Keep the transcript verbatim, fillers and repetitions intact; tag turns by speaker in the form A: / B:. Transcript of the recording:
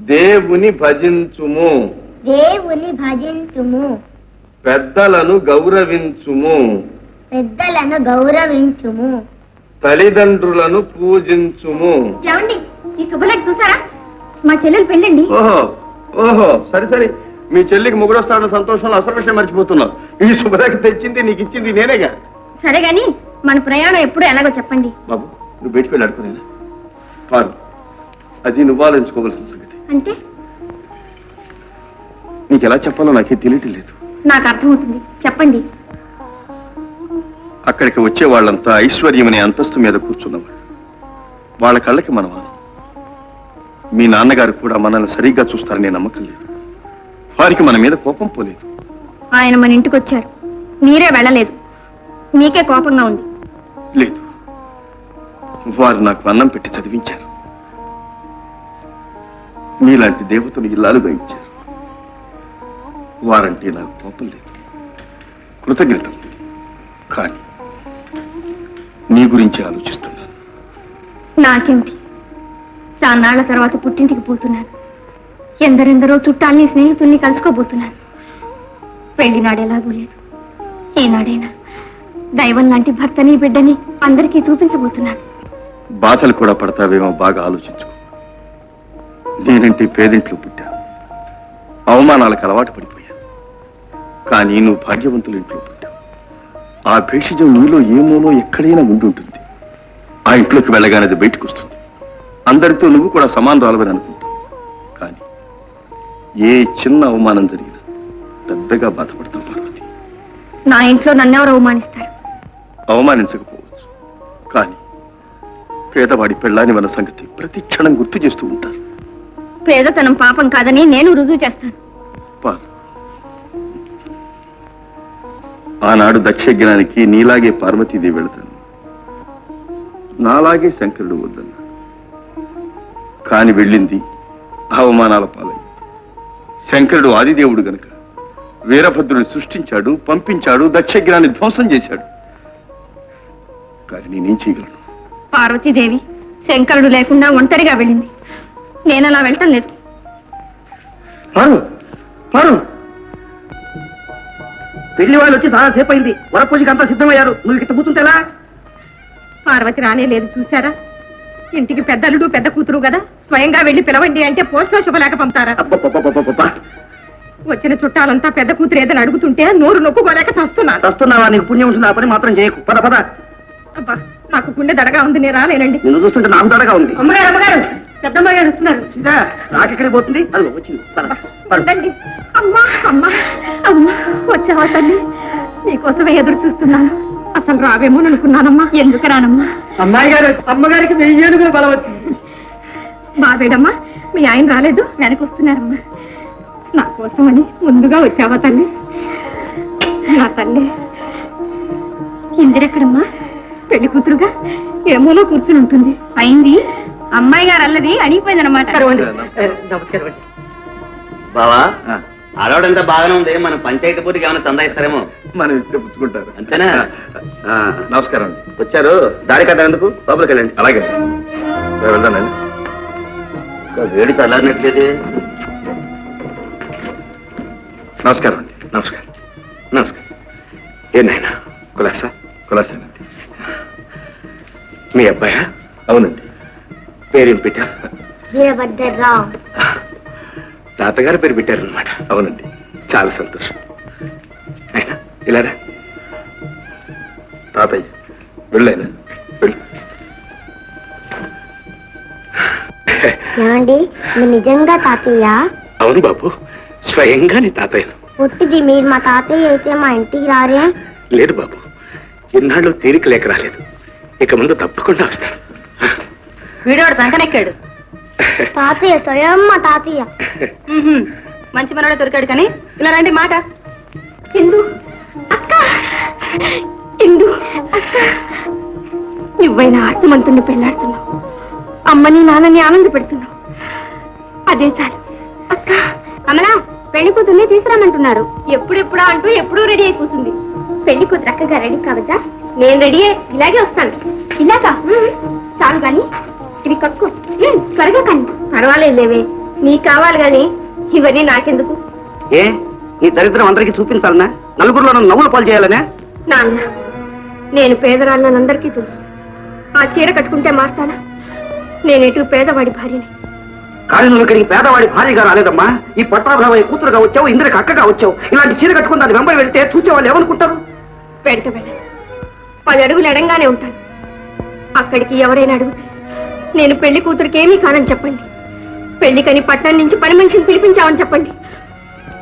A: దేవుని భజించుము.
B: దేవుని భజించుము.
A: పెద్దలను గౌరవించుము.
B: పెద్దలను గౌరవించుము.
A: తల్లిదండ్రులను పూజించుము.
B: ఏమండి, ఈ శుభలేఖ చూసారా? మా చెల్లెలు పెళ్ళండి.
A: ఓహో ఓహో సరే సరే, మీ చెల్లికి మొగుడు వస్తాడన్న సంతోషంలో అసలు విషయం మర్చిపోతున్నావు. ఈ శుభలేఖ తెచ్చింది నీకు ఇచ్చింది నేనేగా.
B: సరే గాని మన ప్రయాణం ఎప్పుడు ఎలాగో చెప్పండి.
A: బాబు, నువ్వు బయటికి వెళ్ళి అడుకునేనా? పారు, అది నువ్వు ఆలోచించుకోవాల్సిన సంగతి.
B: అంటే
A: నీకు ఎలా చెప్పాలో నాకే తెలియటం లేదు.
B: నాకు అర్థమవుతుంది, చెప్పండి.
A: అక్కడికి వచ్చే వాళ్ళంతా ఐశ్వర్యం అనే అంతస్తు మీద కూర్చున్నవాళ్ళు. వాళ్ళ కళ్ళకి మనం మీ నాన్నగారు కూడా మనల్ని సరిగ్గా చూస్తారనే నమ్మకం లేదు. వారికి మన మీద కోపం పోలేదు.
B: ఆయన మన ఇంటికి వచ్చారు, మీరే వెళ్ళలేదు. మీకే కోపంగా ఉంది.
A: లేదు, వారు నాకు అన్నం పెట్టి చదివించారు. మీలాంటి దేవతను ఇల్లాలుగా ఇచ్చారు. వారంటే నాకు కోపం లేదు, కృతజ్ఞత. కానీ నీ గురించి ఆలోచిస్తున్నాను.
B: నాకేమిటి, చాన్నాళ్ల తర్వాత పుట్టింటికి పోతున్నాను. ఎందరెందరో చుట్టాల్ని స్నేహితుల్ని కలుసుకోబోతున్నాను. పెళ్లినాడు ఎలాగూ లేదు. ఈనాడైనా దైవం లాంటి భర్తని బిడ్డని అందరికీ చూపించబోతున్నాను.
A: బాధలు కూడా పడతావేమో, బాగా ఆలోచించుకో. నేనంటే పేదింట్లో పుట్టా, అవమానాలకు అలవాటు పడిపోయా. కానీ నువ్వు భాగ్యవంతుల ఇంట్లో పుట్టావు. ఆ భేషజం నీలో ఏమోలో ఎక్కడైనా ఉండుంటుంది. ఆ ఇంట్లోకి వెళ్ళగానే అది బయటకు వస్తుంది. అందరితో నువ్వు కూడా సమానరాలవని అనుకుంటావు. కానీ ఏ చిన్న అవమానం జరిగినా పెద్దగా బాధపడతావు పార్వతి.
B: నా ఇంట్లో నన్నెవరు అవమానిస్తారు?
A: అవమానించకపోవచ్చు, కానీ పేదవాడి పెళ్ళాని మన సంగతి ప్రతి క్షణం గుర్తు చేస్తూ ఉంటారు.
B: పేదతనం పాపం కాదని నేను రుజువు చేస్తాను.
A: ఆనాడు దక్షయజ్ఞానికి నీలాగే పార్వతీదేవి వెళతాను, నాలాగే శంకరుడు వద్దన్నాడు. కాని వెళ్ళింది అవమానాల పాలైంది. శంకరుడు ఆదిదేవుడు గనక వీరభద్రుని సృష్టించాడు, పంపించాడు, దక్షయజ్ఞాన్ని ధ్వంసం చేశాడు. కానీ నేనేం చేయగలను?
B: పార్వతీదేవి శంకరుడు లేకుండా ఒంటరిగా వెళ్ళింది. నేను అలా వెళ్ళటం లేదు.
C: పెళ్లి వాళ్ళు వచ్చి చాలా సేపు అయింది. వరపూజకి అంతా సిద్ధమయ్యారు. నువ్వు ఇక్కడ కూర్చుంటేలా?
B: పార్వతి రానే లేదు, చూసారా? ఇంటికి పెద్దలుడు పెద్ద కూతురు కదా, స్వయంగా వెళ్లి పిలవండి అంటే పోస్ట్లో శుభలేఖ పంపుతారా? వచ్చిన చుట్టాలంతా పెద్ద కూతురు ఏదని అడుగుతుంటే నోరు నొప్పుకోలేక చస్తున్నా.
C: చస్తున్నావా? నీకు పుణ్యం ఉంటుంది, ఆ పని మాత్రం చేయకు. పద పద.
B: అబ్బా, నాకు గుండె దడగా ఉంది, నేను రాలేనండి.
C: నిన్ను చూస్తుంటే నాకు దడగా ఉంది.
B: అమ్మగారు అమ్మగారు పెద్దమ్మ గారు వస్తున్నారు.
C: నాకెక్కడికి పోతుంది? అది వచ్చింది.
B: అమ్మా అమ్మా అమ్మా, వచ్చావా తల్లి? నీకోసమే ఎదురు చూస్తున్నాను. అసలు రావేమో అనుకున్నానమ్మా. ఎందుకు రానమ్మా?
C: అమ్మాయి గారు, అమ్మగారికి వెయ్యి ఏడుగులు బలం వచ్చింది.
B: బాబేడమ్మా, మీ ఆయన రాలేదు, వెనక వస్తున్నారమ్మా. నా కోసమని ముందుగా వచ్చావా తల్లి? నా తల్లి ఇందిరెక్కడమ్మా? పెళ్లి కూతురుగా ఏమోలో కూర్చుని ఉంటుంది. అయింది అమ్మాయి గారు అల్లది అడిగిపోయిందనమాట.
C: నమస్కారం అండి.
D: బావా, ఆడవాడంతా బాగానే ఉంది. మన పంచాయతీ పూర్తికి ఏమైనా చందా ఇస్తారేమో.
A: మనం ఇస్తే పుచ్చుకుంటారు
D: అంతేనా?
A: నమస్కారం అండి.
D: వచ్చారు, దారి కదా ఎందుకు, లోపలికి వెళ్ళండి.
A: అలాగే వెళ్దానండి.
D: వేడి చల్లారినట్లేదు.
A: నమస్కారం అండి.
D: నమస్కారం. నమస్కారం. ఏనాయనా కులాసా?
A: కులాసేనండి.
D: మీ అబ్బాయా?
A: అవునండి.
D: పేరేం పెట్టారు?
B: వీరభద్రరావు.
D: తాతగారు పేరు పెట్టారనమాట.
A: అవునండి.
D: చాలా సంతోషం. అయినా ఇలారా.
A: తాతయ్య వెళ్ళైనా వెళ్ళు.
B: ఏమండి, మీరు నిజంగా తాతయ్య?
D: అవును బాబు, స్వయంగా నీ తాతయ్యను.
B: పుట్టిది మీరు మా తాతయ్య అయితే మా ఇంటికి రారే?
D: లేదు బాబు, ఇన్నాళ్ళు తీరిక లేక రాలేదు. ఇక ముందు తప్పకుండా వస్తాను.
B: వీడోడు సంకనెక్కాడు. తాతయ్య స్వయం మా తాతయ్య. మంచి మనోడే దొరికాడు. కానీ ఇలా రండి మాట. ఇందు అక్క, ఇందు అక్క, నువ్వైనా ఆస్తిమంతుని పెళ్లాడుతున్నావు, అమ్మని నాన్నని ఆనంద పెడుతున్నావు. అదే చాలు అక్క. అమలా, పెళ్లి కూతుర్ని తీసుకురామంటున్నారు. ఎప్పుడెప్పుడా అంటూ ఎప్పుడూ రెడీ అయి కూర్చుంది. పెళ్లి కూతురు అక్కగా రెడీ కావద్దా? నేను రెడీ ఇలాగే వస్తాను. ఇలాగా చాలు గాని ఇవి కట్టుకో త్వరగా. కానీ పర్వాలేదు లేవే, నీకు కావాలి గాని ఇవన్నీ నాకెందుకు?
C: ఏ నీ దరిద్రం అందరికీ చూపించాలనా? నలుగురిలో నన్ను నవ్వులు పాలు చేయాలనే?
B: నాన్న, నేను పేదరాళ్ళని అందరికీ తెలుసు. ఆ చీర కట్టుకుంటే మారుతానా? నేనేటు పేదవాడి భార్యని.
C: కానీ నువ్వు ఇక్కడికి పేదవాడి భార్యగా రాలేదమ్మా. ఈ పట్టాభావయ్య కూతురుగా వచ్చావు, ఇంద్రకి అక్కగా వచ్చావు. ఇలాంటి చీర కట్టుకుని దాని వెంబడి వెళ్తే చూచేవాళ్ళు ఏమనుకుంటారు?
B: వెంట వెళ్ళను. పది అడుగులు ఎడంగానే ఉంటాను. అక్కడికి ఎవరైనా అడిగితే నేను పెళ్లి కూతురికి ఏమీ కానని చెప్పండి. పెళ్లికని పట్టణం నుంచి పని మనిషిని పిలిపించామని చెప్పండి.